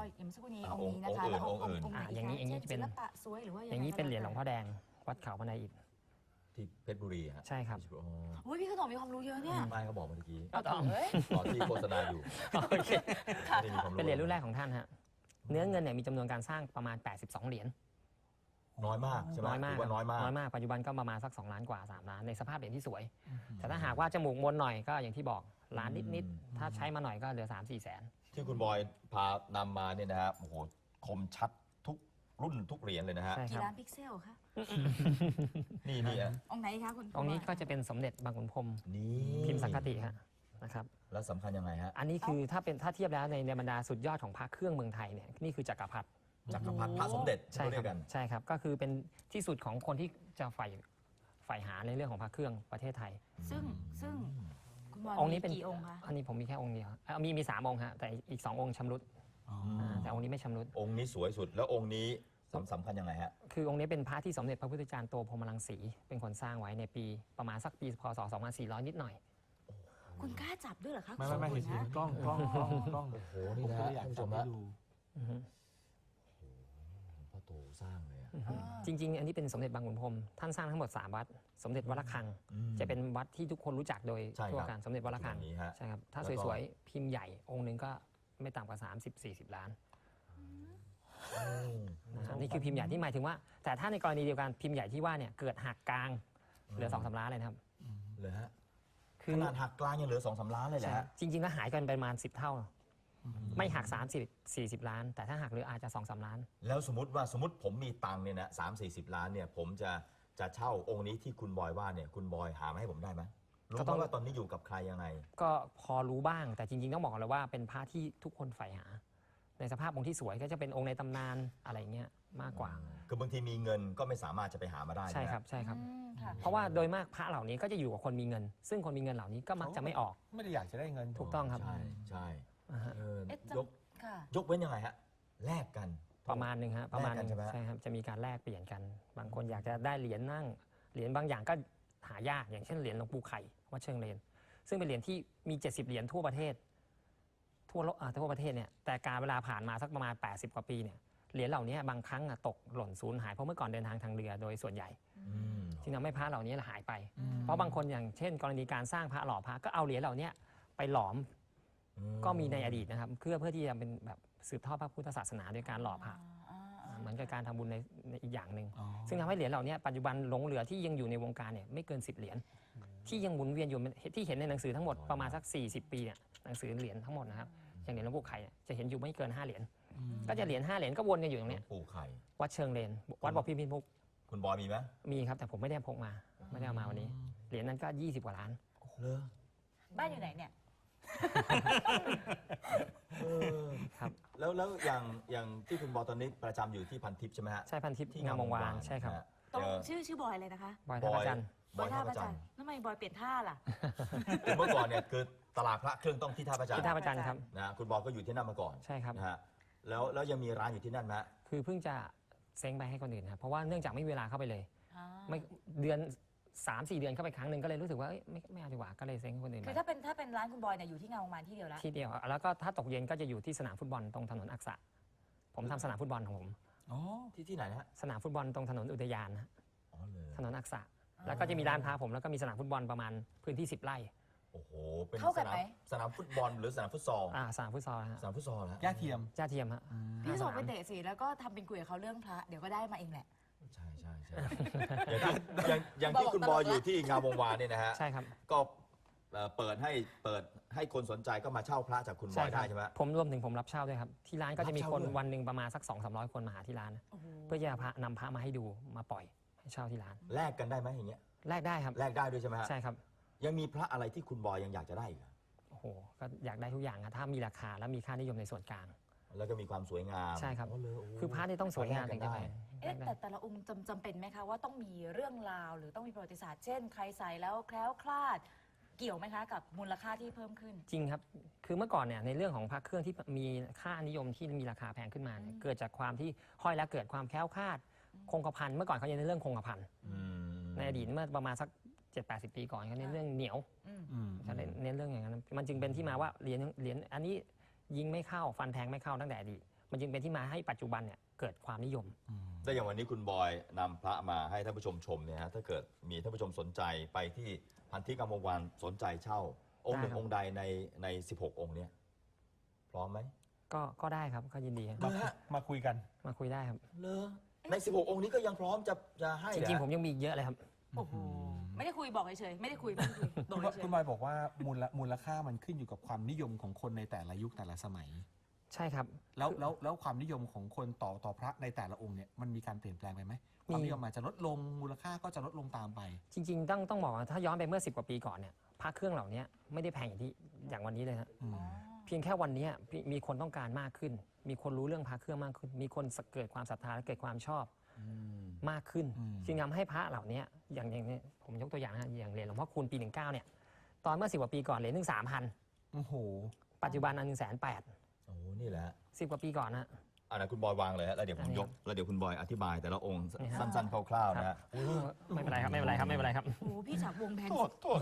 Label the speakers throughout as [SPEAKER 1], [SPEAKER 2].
[SPEAKER 1] อย่างเมื่อสักครู่นี้องค์นี้นะคะแล้วองค์อื่น
[SPEAKER 2] อย่างนี้
[SPEAKER 1] ศิลปะสวยหรือว่า
[SPEAKER 2] อย่างนี้เป็นเหรียญหลวงพ่อแดงวัดเขาพนายอิฐ
[SPEAKER 3] ที่เพชรบุรีฮะ
[SPEAKER 2] ใช่ครับ
[SPEAKER 1] โอ้ยพี่ขนมมีความรู้เยอะเนี่ย
[SPEAKER 3] ไม่เขาบอกเมื่อกี้
[SPEAKER 1] เอาต่อเลย
[SPEAKER 3] ตอนที่โฆษณาอยู่
[SPEAKER 2] เป็นเหรียญรุ่นแรกของท่านฮะเนื้อเงินเนี่ยมีจำนวนการสร้างประมาณ82เหรียญ
[SPEAKER 3] น้อยมากใช่ไหม
[SPEAKER 2] น้อยมาก
[SPEAKER 3] น้อยมาก
[SPEAKER 2] ปัจจุบันก็ประมาณสัก2 ล้านกว่า3 ล้านในสภาพเหรียญที่สวยแต่ถ้าหากว่าจมูกมนหน่อยก็อย่างที่บอกล้านนิดๆถ้าใช้มาหน่อยก็เหลือ3-4 แสน
[SPEAKER 3] ที่คุณบอยพานำมาเนี่ยนะฮะโอ้โหคมชัดทุกรุ่นทุกเหรียญเลยนะฮะ
[SPEAKER 1] กี่ล้านพิกเซลคะ
[SPEAKER 3] นี่
[SPEAKER 1] องค์ไหนคะคุณ
[SPEAKER 2] องค์นี้ก็จะเป็นสมเด็จบางขุนพรหมพิมพ์สังคติฮะนะครับ
[SPEAKER 3] แล้วสำคัญยังไงฮะ
[SPEAKER 2] อันนี้คือถ้าเทียบแล้วในบรรดาสุดยอดของพระเครื่องเมืองไทยเนี่ยนี่คือจักรพรรดิ
[SPEAKER 3] พระสมเด็จ
[SPEAKER 2] ใช่ครับใช่ครับก็คือเป็นที่สุดของคนที่จะใฝ่หาในเรื่องของพระเครื่องประเทศไทย
[SPEAKER 1] ซึ่ง
[SPEAKER 2] องค์นี้เป็น
[SPEAKER 1] กี่องค์คะ
[SPEAKER 2] อันนี้ผมมีแค่องค์เดียวมี3 องค์ฮะแต่อีก2 องค์ชำรุดแต่องค์นี้ไม่ชำรุด
[SPEAKER 3] องค์นี้สวยสุดแล้วองค์นี้สำคัญยังไงฮะ
[SPEAKER 2] คือองค์นี้เป็นพระที่สมเด็จพระพุทธจารย์โตพรหมรังสีเป็นคนสร้างไว้ในปีประมาณสักปีพศ2400นิดหน่อย
[SPEAKER 1] คุณกล้าจับด้วยเหรอคะ
[SPEAKER 4] ไม่เห็นกล้องโอ้
[SPEAKER 3] โหนี่นะอยากชมแล้วพ่อโตสร้างเลย
[SPEAKER 2] จริงๆอันนี้เป็นสมเด็จบางขุนพรหมท่านสร้างทั้งหมด3 วัดสมเด็จวัดระฆังจะเป็นวัดที่ทุกคนรู้จักโดยทั่วกันสมเด็จวัดระฆังใช่ครับถ้าสวยๆพิมพ์ใหญ่องค์นึงก็ไม่ต่ำกว่า30-40 ล้านนี่คือพิมพ์ใหญ่ที่หมายถึงว่าแต่ถ้าในกรณีเดียวกันพิมพ์ใหญ่ที่ว่าเนี่ยเกิดหักกลางเหลือ2-3 ล้านเลยครับ
[SPEAKER 3] เลยฮะขนาดหักกลางยังเหลือ2-3 ล้านเลยแหละ
[SPEAKER 2] จริงๆแล้วหายกันประมาณ10 เท่าไม่หัก30-40 ล้านแต่ถ้าหักเหลืออาจจะ2-3 ล้าน
[SPEAKER 3] แล้วสมมติผมมีตังค์เนี่ยนะ30-40 ล้านเนี่ยผมจะเช่าองค์นี้ที่คุณบอยว่าเนี่ยคุณบอยหามาให้ผมได้ไหมรู้ไหมว่าตอนนี้อยู่กับใครยังไง
[SPEAKER 2] ก็พอรู้บ้างแต่จริงๆต้องบอกเลยว่าเป็นพระที่ทุกคนใฝ่หาในสภาพองค์ที่สวยก็จะเป็นองค์ในตำนานอะไรเงี้ยมากกว่า
[SPEAKER 3] คือบางทีมีเงินก็ไม่สามารถจะไปหามาได้
[SPEAKER 2] ใช่ครับเพราะว่าโดยมากพระเหล่านี้ก็จะอยู่กับคนมีเงินซึ่งคนมีเงินเหล่านี้ก็มักจะไม่ออก
[SPEAKER 4] ไม่ได้อยากจะได้เงิน
[SPEAKER 2] ถูกต้องครับ
[SPEAKER 3] ใช่
[SPEAKER 1] ย
[SPEAKER 3] กเว้นยังไงฮะแลกกัน
[SPEAKER 2] ประมาณนึงฮะประมาณนึงใช่ครับจะมีการแลกเปลี่ยนกันบางคนอยากจะได้เหรียญนั่งเหรียญบางอย่างก็หายากอย่างเช่นเหรียญหลวงปู่ไข่วัดเชิงเลนซึ่งเป็นเหรียญที่มี70 เหรียญทั่วประเทศทั่วประเทศเนี่ยแต่การเวลาผ่านมาสักประมาณ80 กว่าปีเนี่ยเหรียญเหล่านี้บางครั้งตกหล่นสูญหายเพราะเมื่อก่อนเดินทางทางเรือโดยส่วนใหญ่จึงทำให้พระเหล่านี้หายไปเพราะบางคนอย่างเช่นกรณีการสร้างพระหล่อพระก็เอาเหรียญเหล่านี้ไปหลอมก็มีในอดีตนะครับเพื่อที่จะเป็นแบบสืบทอดพระพุทธศาสนาโดยการหล่อพระเหมือนกับการทำบุญในอีกอย่างหนึ่งซึ่งทำให้เหรียญเหล่านี้ปัจจุบันหลงเหลือที่ยังอยู่ในวงการเนี่ยไม่เกิน10 เหรียญที่ยังหมุนเวียนอยู่ที่เห็นในหนังสือทั้งหมดประมาณสัก40 ปีเนี่ยหนังสือเหรียญทั้งหมดนะครับอย่างเหรียญหลวงปู่ไข่จะเห็นอยู่ไม่เกิน5 เหรียญก็จะเหรียญ5 เหรียญก็วนกันอยู่ตรงนี้
[SPEAKER 3] ปู่ไข่
[SPEAKER 2] วัดเชิงเลนวัดบ่อพิมพุก
[SPEAKER 3] คุณบอยมีไหม
[SPEAKER 2] มีครับแต่ผมไม่ได้พกมาไม่ได้เอามาวันนี้เหรียญนั้นก็20 กว่าล้าน
[SPEAKER 3] เลย
[SPEAKER 1] บ้านอยู่ไหนเนี่ย
[SPEAKER 2] ครับ
[SPEAKER 3] แล้วอย่างที่คุณบอยตอนนี้ประจำอยู่ที่พันทิพย์ใช่ไหมฮะ
[SPEAKER 2] ใช่พันทิพย์ที่งามวงวานใช่ครับ
[SPEAKER 1] ต้องชื่อบอยเลยนะคะ
[SPEAKER 2] บอยท่าพระจันทร์
[SPEAKER 1] บอยท่าพระจันทร์ทำไมบอยเปลี่ยนท่าล่ะ
[SPEAKER 3] เมื่อก่อนเนี่ยคือตลาดพระเครื่องต้องที่ท่าพระจันทร์
[SPEAKER 2] ที่ท่าพระจันทร์ครับ
[SPEAKER 3] นะคุณบอยก็อยู่ที่นั่นมาก่อน
[SPEAKER 2] ใช่ครับ
[SPEAKER 3] นะฮะแล้วยังมีร้านอยู่ที่นั่นไหม
[SPEAKER 2] คือเพิ่งจะเซ้งไปให้คนอื่นครับเพราะว่าเนื่องจากไม่มีเวลาเข้าไปเลยไม่เดือน3-4 เดือนเข้าไปครั้งหนึ่งก็เลยรู้สึกว่าไม่เอาดีกว่าก็เลยเซ้งให้คนอื่น
[SPEAKER 1] คือถ้าเป็นร้านคุณบอยเนี่ยอยู่ที่งามวงวานที่เดียวแล้ว
[SPEAKER 2] ที่เดียวแล้วก็ถ้าตกเย็นก็จะอยู่ที่สนามฟุตบอลตรงถนนอักษะผมทำสนามฟุตบอลของผม
[SPEAKER 3] ที่ไหนนะฮะ
[SPEAKER 2] สนามฟุตบอลตรงถนนอุทยานนะถนนอักษะแล้วก็จะมีร้านพาผมแล้วก็มีสนามฟุตบอลประมาณพื้นที่10 ไร่
[SPEAKER 3] โอ้โหเป็นสนามฟุตบอลหรือสนามฟุตซอล
[SPEAKER 2] สนามฟุตซอลฮะ
[SPEAKER 3] สนามฟุตซอลฮะ
[SPEAKER 4] ย่าเทียม
[SPEAKER 2] ฮะ
[SPEAKER 1] พี่ส่งไปเตะสิแล้วก็ทำเป็นคุยกับเขาเรื่องพระเดี๋ยวก็ได้มาเองแหละ
[SPEAKER 3] ใช่อย่างที่คุณบอยอยู่ที่งามวงวานเนี่ยนะฮะ
[SPEAKER 2] ใช่ครับ
[SPEAKER 3] ก็เปิดให้คนสนใจก็มาเช่าพระจากคุณบอยได้ใช่ไหม
[SPEAKER 2] ผมรวมถึงผมรับเช่าด้วยครับที่ร้านก็จะมีคนวันหนึ่งประมาณสัก200-300 คนมาหาที่ร้านเพื่อจะนำพระมาให้ดูมาปล่อยให้เช่าที่ร้าน
[SPEAKER 3] แลกกันได้ไหมอย่างเงี้ย
[SPEAKER 2] แลกได้ครับ
[SPEAKER 3] แลกได้ด้วยใช่ไหมฮะ
[SPEAKER 2] ใช่ครับ
[SPEAKER 3] ยังมีพระอะไรที่คุณบอยยังอยากจะได้อีก
[SPEAKER 2] โอ้โหก็อยากได้ทุกอย่างถ้ามีราคาและมีค่านิยมในส่วนกลาง
[SPEAKER 3] แล้วก็มีความสวยงาม
[SPEAKER 2] ใช่ครับคือพระนี่ต้องสวยงามถึงจะได้
[SPEAKER 1] แต่ละองค์จำเป็นไหมคะว่าต้องมีเรื่องราวหรือต้องมีประวัติศาสตร์เช่นใครใส่แล้วแคล้วคลาดเกี่ยวไหมคะกับมูลค่าที่เพิ่มขึ้น
[SPEAKER 2] จริงครับคือเมื่อก่อนเนี่ยในเรื่องของพระเครื่องที่มีค่านิยมที่มีราคาแพงขึ้นมาเกิดจากความที่ห้อยแล้วเกิดความแคล้วคลาดคงกระพันเมื่อก่อนเขาจะในเรื่องคงกระพันในอดีตเมื่อประมาณสัก70-80 ปีก่อนเขาเน้นเรื่องเหนียวเขาเน้นเรื่องอย่างนั้นมันจึงเป็นที่มาว่าเหรียญอันนี้ยิงไม่เข้าฟันแทงไม่เข้าตั้งแต่อดีตมันจึงเป็นที่มาให้ปัจจุบันเนี่ยเกิดความนิยม
[SPEAKER 3] แต่อย่างวันนี้คุณบอยนำพระมาให้ท่านผู้ชมชมเนี่ยฮะถ้าเกิดมีท่านผู้ชมสนใจไปที่พันธิกรรมวันสนใจเช่า องค์หนึ่ง
[SPEAKER 2] ได้ครับ
[SPEAKER 3] องค์ใดใน16 องค์เนี้ยพร้อมไหม
[SPEAKER 2] ก็ได้ครับก็ยินดีครับ
[SPEAKER 4] มาคุยกัน
[SPEAKER 2] มาคุยได้ครับ
[SPEAKER 3] เลอใน 16 องค์นี้ก็ยังพร้อมจะให้
[SPEAKER 2] จริงๆผมยังมีอีกเยอะเลยครับ
[SPEAKER 1] โอ้โหไม่ได้คุยบอกเฉยๆไม่ได้คุยบอกเฉย
[SPEAKER 4] คุณบอยบอกว่ามูลค่ามันขึ้นอยู่กับความนิยมของคนในแต่ละยุคแต่ละสมัย
[SPEAKER 2] ใช่ครับ
[SPEAKER 4] แล้วความนิยมของคนต่อพระในแต่ละองค์เนี่ยมันมีการเปลี่ยนแปลงไปไหมความนิยมอาจจะลดลงมูลค่าก็จะลดลงตามไป
[SPEAKER 2] จริงๆต้องบอกว่าถ้าย้อนไปเมื่อ10 กว่าปีก่อนเนี่ยพระเครื่องเหล่านี้ไม่ได้แพงอย่างวันนี้เลยฮะ
[SPEAKER 4] อืม
[SPEAKER 2] เพียงแค่วันนี้มีคนต้องการมากขึ้น มีคนรู้เรื่องพระเครื่องมากขึ้น มีคนเกิดความศรัทธาและเกิดความชอบมากขึ้น จึงทำให้พระเหล่านี้อย่างนี้ผมยกตัวอย่างนะอย่างเหรียญหลวงพ่อคูณปี 19เนี่ยตอนเมื่อ10 กว่าปีก่อนเหรียญหนึ่ง3,000
[SPEAKER 4] โอ้โห
[SPEAKER 2] ปัจจุบันอัน180,000
[SPEAKER 3] โอ้โหนี่แหละ
[SPEAKER 2] 10 กว่าปีก่อนนะ
[SPEAKER 3] อันนั้นคุณบอยวางเลยฮะแล้วเดี๋ยวผมยกแล้วเดี๋ยวคุณบอยอธิบายแต่ละองค์
[SPEAKER 2] นี่ฮะ
[SPEAKER 3] สั้นๆคร่าวๆนะฮะ
[SPEAKER 2] ไม่เป็นไรครับไม่เป็นไรครับไม่เป็นไรครับ
[SPEAKER 1] ๆโอ้โหพี่จากวงแพง
[SPEAKER 3] โทษ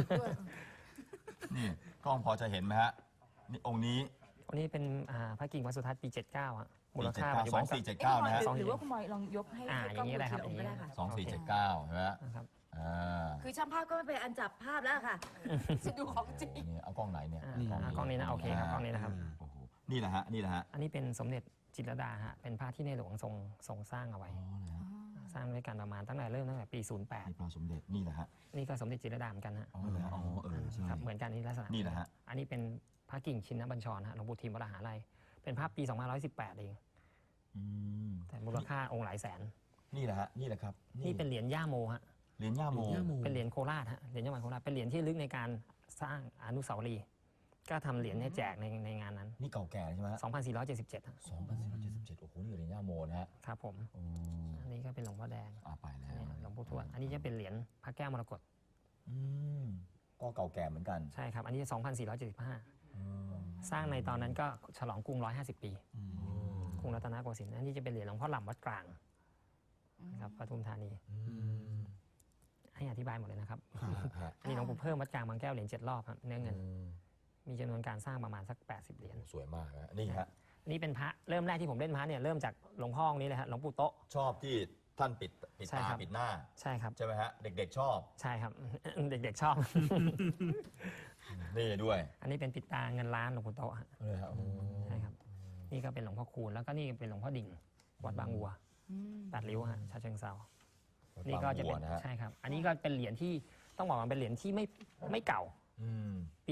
[SPEAKER 3] นี่กล้องพอจะเห็นไหมฮะนี่องค์นี้
[SPEAKER 2] วันนี้เป็นพระกิ่งวัดสุทัศน์ปี 79อะมูล
[SPEAKER 3] ปี
[SPEAKER 2] ค่าปัจจุบันก็
[SPEAKER 3] 2479นะฮะ
[SPEAKER 1] หรือว่าคุณบอยลองยกให้
[SPEAKER 2] อย่างนี้ได้ครับ
[SPEAKER 1] กล้องดูทีละองค์ก็ได้ค่ะ
[SPEAKER 3] 2479ใช่ไหมฮะ
[SPEAKER 2] นะครับ
[SPEAKER 3] อ่า
[SPEAKER 1] คือช่างภาพก็ไม่เป็นอันจับภาพแล้วค่ะจะดูของจริง
[SPEAKER 3] โอ้โหนี่เอากล้องไหนเนี่ย
[SPEAKER 2] กล้องนี้นะโอเคครับกล้องนี้นะครับ
[SPEAKER 3] โอ้โหนี่แหละฮะนี่แหละฮะ
[SPEAKER 2] อันนี้เป็นสมเด็จจิตรลดาฮะเป็นพระที่ในหลวงทรงสร้างเอาไว้
[SPEAKER 3] อ๋อนะฮะ
[SPEAKER 2] สร้างด้วยกันประมาณตั้งแต่ปี
[SPEAKER 3] นี่พระสมเด็จนี่แหละฮะ
[SPEAKER 2] 08 นี่ก็สมเด็จจิตรลดาเหมือนกันฮะ
[SPEAKER 3] อ๋อเหรออ๋อใช่
[SPEAKER 2] ครับเหมือนกันนี่ลักษณะ
[SPEAKER 3] นี่แหละฮะ
[SPEAKER 2] อันนี้เป็นพระกิ่งชินบัญชรฮะหลวงปู่ทิมวรหาลัยเป็นภาพปี 2518 เอง
[SPEAKER 3] อืม
[SPEAKER 2] แต่มูลค่าองค์หลายแสน
[SPEAKER 3] นี่แหละฮะนี่แหละครับ
[SPEAKER 2] นี่เป็นเหรียญย่าโมฮะ
[SPEAKER 3] เหรียญย่าโม
[SPEAKER 2] เป็นเหรียญโคราชฮะเหรียญจังหวัดโคราชเป็นเหรียญที่ลึกในการสร้างอนุสาวรีย์ก็ทำเหรียญให้แจกในงานนั้น
[SPEAKER 3] นี่เก่าแก่ใช่ไหมฮะ
[SPEAKER 2] 2477ฮะ
[SPEAKER 3] 2477โอ้โหนี่เหรียญย่าโมนะฮะ
[SPEAKER 2] ครับผม
[SPEAKER 3] อืม
[SPEAKER 2] อันนี้ก็เป็นหลวงพ่อแดง
[SPEAKER 3] ไปแล้ว
[SPEAKER 2] อันนี้หลวงปู่ทวดอันนี้จะเป็นเหรียญพระแก้วมรกต
[SPEAKER 3] อืมก็เก่าแก่เหมือนกัน
[SPEAKER 2] ใช่ครับอันนี้ 2475
[SPEAKER 3] อืม
[SPEAKER 2] สร้างในตอนนั้นก็ฉลองกรุง 150 ปีกรุงรัตนโกสินทร์อันนี้จะเป็นเหรียญหลวงพ่อหล่ำวัดกลางนะครับปทุมธานี ให้อธิบายหมดเลยนะครับ
[SPEAKER 3] ฮะ
[SPEAKER 2] อันนี้หลวงปู่เพิ่มวัดกลางบางแก้วเหรียญ7 รอบครับเนื้อเงิน
[SPEAKER 3] อืม
[SPEAKER 2] มีจำนวนการสร้างประมาณสัก 80 เหรียญ
[SPEAKER 3] โอ้สวยมากนะนี่ฮะ
[SPEAKER 2] อันนี้เป็นพระเริ่มแรกที่ผมเล่นพระเนี่ยเริ่มจากหลวงพ่อองค์นี้เลยฮะหลวงปู่โต๊ะ
[SPEAKER 3] ชอบที่ท่านปิด
[SPEAKER 2] ใช่
[SPEAKER 3] ตา
[SPEAKER 2] ครับ
[SPEAKER 3] ปิดหน้า
[SPEAKER 2] ใช่ครับ
[SPEAKER 3] ใช่ไหมฮะ เด็กๆชอบ
[SPEAKER 2] ใช่ครับ เด็กๆชอบ
[SPEAKER 3] นี่ด้วย
[SPEAKER 2] อันนี้เป็นปิดตาเงินล้านหลวงปู่โต๊ะฮะ
[SPEAKER 3] เลยครับ
[SPEAKER 2] ใช่ครับนี่ก็เป็นหลวงพ่อคูณแล้วก็นี่เป็นหลวงพ่อดิ่งวัดบางวัว8 ริ้วฮะฉะเชิงเทรานี่ก็จะเป็น
[SPEAKER 3] นะฮะ
[SPEAKER 2] ใช่ครับ อันนี้ก็เป็นเหรียญที่ต้องบอกว่าเป็นเหรียญที่ไม่เก่า
[SPEAKER 3] อืม
[SPEAKER 2] ปี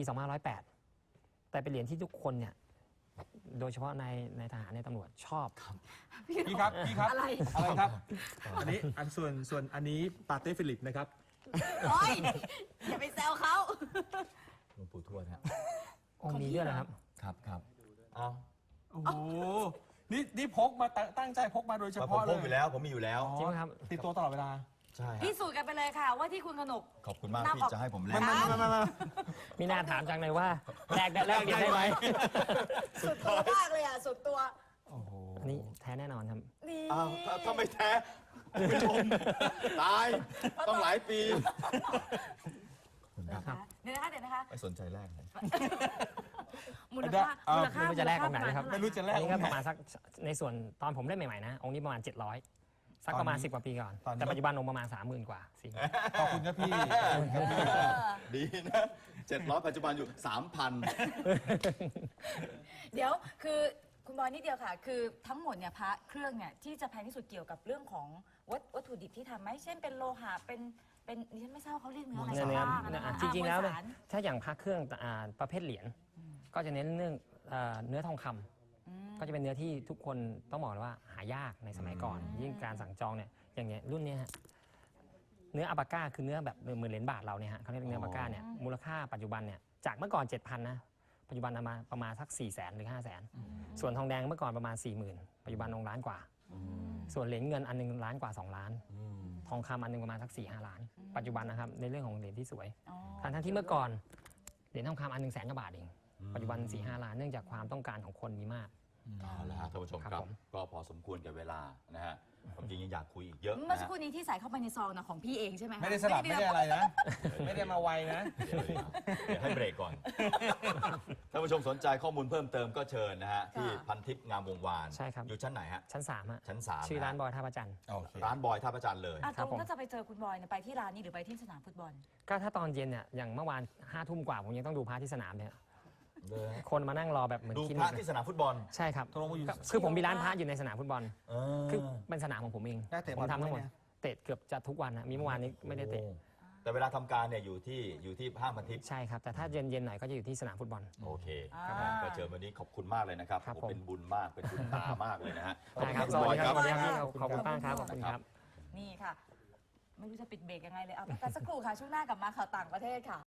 [SPEAKER 2] 2508 แต่เป็นเหรียญที่ทุกคนเนี่ยโดยเฉพาะในทหารในตำรวจชอบ
[SPEAKER 4] พี่ครับ
[SPEAKER 1] อะไร
[SPEAKER 4] อะไรครับ อันนี้ส่วนอันนี้ปาเต้ฟิลิปนะครับ
[SPEAKER 1] โอ้ยอย่าไปแซวเขา
[SPEAKER 3] หลวงปู่ทวดฮะ
[SPEAKER 2] องค์นี้ด้วยนะครับ
[SPEAKER 3] ครับเอา
[SPEAKER 4] โอ้โห นี่พกมาตั้งใจพกมาโดยเฉ
[SPEAKER 3] ผม
[SPEAKER 4] พาะ
[SPEAKER 3] พ
[SPEAKER 4] เล
[SPEAKER 3] กอยู่แล้วผมมีอยู่แล้ว
[SPEAKER 2] จริงไหมครับ
[SPEAKER 4] ติดตัวตลอดเวลา
[SPEAKER 3] ใช่ฮะ
[SPEAKER 1] พิสูจน์กันไปเลยค่ะ ว่าที่คุณขนก
[SPEAKER 3] ขอบคุณมาก
[SPEAKER 1] นำ
[SPEAKER 3] ที่
[SPEAKER 1] ออก
[SPEAKER 3] จะให้ผมเล่
[SPEAKER 1] ไม่
[SPEAKER 3] น
[SPEAKER 2] มีหน้าถามจังเลยว่าแลกเหรียญได้ไหม
[SPEAKER 1] สุดตัวมากเลยอ่ะ สุดตัว
[SPEAKER 4] โอ้โห
[SPEAKER 2] อันนี้แท้แน่นอนครับ
[SPEAKER 1] นี่
[SPEAKER 3] อ้าวถ้าไม่แท้คุณผู้ชมตายต้องหลายปี
[SPEAKER 2] ครับ
[SPEAKER 1] เดี๋ยวนะคะ
[SPEAKER 3] ไม่สนใจแรกเลย
[SPEAKER 1] มูลค่า
[SPEAKER 2] ไม่รู้จะแลกตรงไหนนะครับ
[SPEAKER 4] ไม่รู้จะแลก
[SPEAKER 2] อันนี้ก็ประมาณสักในส่วนตอนผมเล่นใหม่ๆนะองค์นี้ประมาณ 700 สักประมาณ 10 กว่าปีก่อน แต่ปัจจุบันองค์ประมาณ 30,000 กว่า40,000
[SPEAKER 4] ขอบคุณครับพี่
[SPEAKER 3] ดีนะ700ปัจจุบันอยู่ 3,000
[SPEAKER 1] เดี๋ยวคือคุณบอยนิดเดียวค่ะ คือทั้งหมดเนี่ยพระเครื่องเนี่ยที่จะแพงที่สุดเกี่ยวกับเรื่องของวัตถุดิบที่ทำไหมเช่นเป็นโลหะเป็นดิฉันไม่ทราบเขาเรียกเนื้ออะไร
[SPEAKER 2] เนื้อ
[SPEAKER 1] บ้างนะคะ
[SPEAKER 2] จริงๆแล้ว
[SPEAKER 1] ม
[SPEAKER 2] เนี่
[SPEAKER 1] วย สาร
[SPEAKER 2] ถ้าอย่างพระเครื่องประเภทเหรียญก็จะเน้นเรื่องเนื้อทองคำก็จะเป็นเนื้อที่ทุกคนต้องบอกเลยว่าหายากในสมัยก่อน ยิ่งการสั่งจองเนี่ยอย่างเนี้ยรุ่นเนี้ยฮะเนื้ออัลปาก้าคือเนื้อแบบเหมือนเหรียญบาทเราเนี่ยฮะเขาเรียกเนื้ออัลปาก้าเนี่ยมูลค่าปัจจุบันเนี่ยจากเมื่อก่อน 7,000 นะปัจจุบันเอามาประมาณสัก 400,000 หรือ 500,000 ส่วนทองแดงเมื่อก่อนประมาณ 40,000 ปัจจุบันองค์ล้านกว่า ส่วนเหรียญเงินอันหนึงล้านกว่า2 ล้าน ทองคำอันหนึงประมาณสัก 4-5 ล้าน ปัจจุบันนะครับในเรื่องของเหรียญที่สวย
[SPEAKER 1] อ๋อ
[SPEAKER 2] ทั้งที่เมื่อก่อนเหรียญทองคำอันหนึง100,000 กว่าบาทเองปัจจุบัน 4-5 ล้านเนื่องจากความต้องการของคนมีมาก
[SPEAKER 3] เอาละฮะท่านผู้ชมค
[SPEAKER 2] ครั
[SPEAKER 3] รั
[SPEAKER 2] บบ ผม
[SPEAKER 3] ก็พอสมควรกับเวลานะฮะความจริงยังอยากคุยอีกเยอะ
[SPEAKER 1] เมื่อ
[SPEAKER 3] นะ
[SPEAKER 1] สัก
[SPEAKER 3] ฮะ
[SPEAKER 1] ครู่นี้ที่ใส่เข้าไปในซองนะของพี่เองใช่ไหมคะ
[SPEAKER 4] ไม่ได้สลับไม่ได้อะไรนะ ไม่ได้มาไวนะ
[SPEAKER 3] เดี๋ยวให้เบรกก่อน ท่านผู้ชมสนใจข้อมูลเพิ่มเติมก็เชิญนะฮะ ที่พันทิพย์งามวงวาน
[SPEAKER 2] ใช่ครับ
[SPEAKER 3] อยู่ชั้นไหนฮะ
[SPEAKER 2] ชั้น3ฮะ
[SPEAKER 3] ชั้น3
[SPEAKER 2] ชื่อร้านบอยท่าประจันทร์
[SPEAKER 4] โอเค
[SPEAKER 3] ร้านบอยท่าประจันทร์เลย
[SPEAKER 1] อ่ะต
[SPEAKER 2] ครั
[SPEAKER 1] ร
[SPEAKER 2] บ
[SPEAKER 1] ง
[SPEAKER 2] ผม
[SPEAKER 1] ถ้าจะไปเจอคุณบอยเนี่ยไปที่ร้านนี้หรือไปที่สนามฟุตบอล
[SPEAKER 2] ก็ถ้าตอนเย็นเนี่ยอย่างเมื่อวาน5 ทุ่มกว่าผมยังต้องดูพระที่สนามเนี่ย
[SPEAKER 3] เลยฮะ
[SPEAKER 2] คนมานั่งรอแบบเหมือน
[SPEAKER 3] ดู
[SPEAKER 2] คลิ
[SPEAKER 3] พ
[SPEAKER 2] นิ
[SPEAKER 3] ระ
[SPEAKER 2] กเลย
[SPEAKER 3] ที่สนามฟุตบอล
[SPEAKER 2] ใช่ครับ
[SPEAKER 4] ตกลงว่าอยู่
[SPEAKER 2] คือผมมีร้านพระอยู่ในสนามฟุตบอล
[SPEAKER 3] เอ
[SPEAKER 2] คือเป็นสนามของผมเอง
[SPEAKER 4] ได้เตะบ
[SPEAKER 2] ผ
[SPEAKER 4] อล
[SPEAKER 2] มทำทั้งหมด
[SPEAKER 4] ด้วยเนี่ย
[SPEAKER 2] เตะเกือบจะทุกวันนะมีเมื่อวานนี้ไม่ได้เตะ
[SPEAKER 3] โอ้แต่เวลาทำการเนี่ยอยู่ที่ห้างพันทิพย์
[SPEAKER 2] ใช่ครับ แต่ถ้าเย็นๆหน่อยก็จะอยู่ที่สนามฟุตบอล
[SPEAKER 3] โอเค
[SPEAKER 1] อ่า
[SPEAKER 3] ก็เจอวันนี้ขอบคุณมากเลยนะครับ
[SPEAKER 2] ครับ
[SPEAKER 3] โอ้
[SPEAKER 2] ผม
[SPEAKER 3] เป็นบุญมากเป็นบุญตามากเลยนะฮะ
[SPEAKER 2] ได้ครับ
[SPEAKER 3] ข
[SPEAKER 2] ส
[SPEAKER 3] อบ
[SPEAKER 2] วัส
[SPEAKER 3] คุณ
[SPEAKER 2] ดี
[SPEAKER 3] บ
[SPEAKER 2] ค
[SPEAKER 3] อย
[SPEAKER 2] รับ
[SPEAKER 3] ค
[SPEAKER 2] ส
[SPEAKER 3] รับ
[SPEAKER 2] วัสดีครับพี่ขอบคุณมากครับขอบคุณครับ
[SPEAKER 1] นี่ค่ะ ไม่รู้จะปิดเบรกยังไงเลยเอาพักกันสักครู่ค่ะช่วงหน้ากลับมาข่าวต่างประเทศค่ะ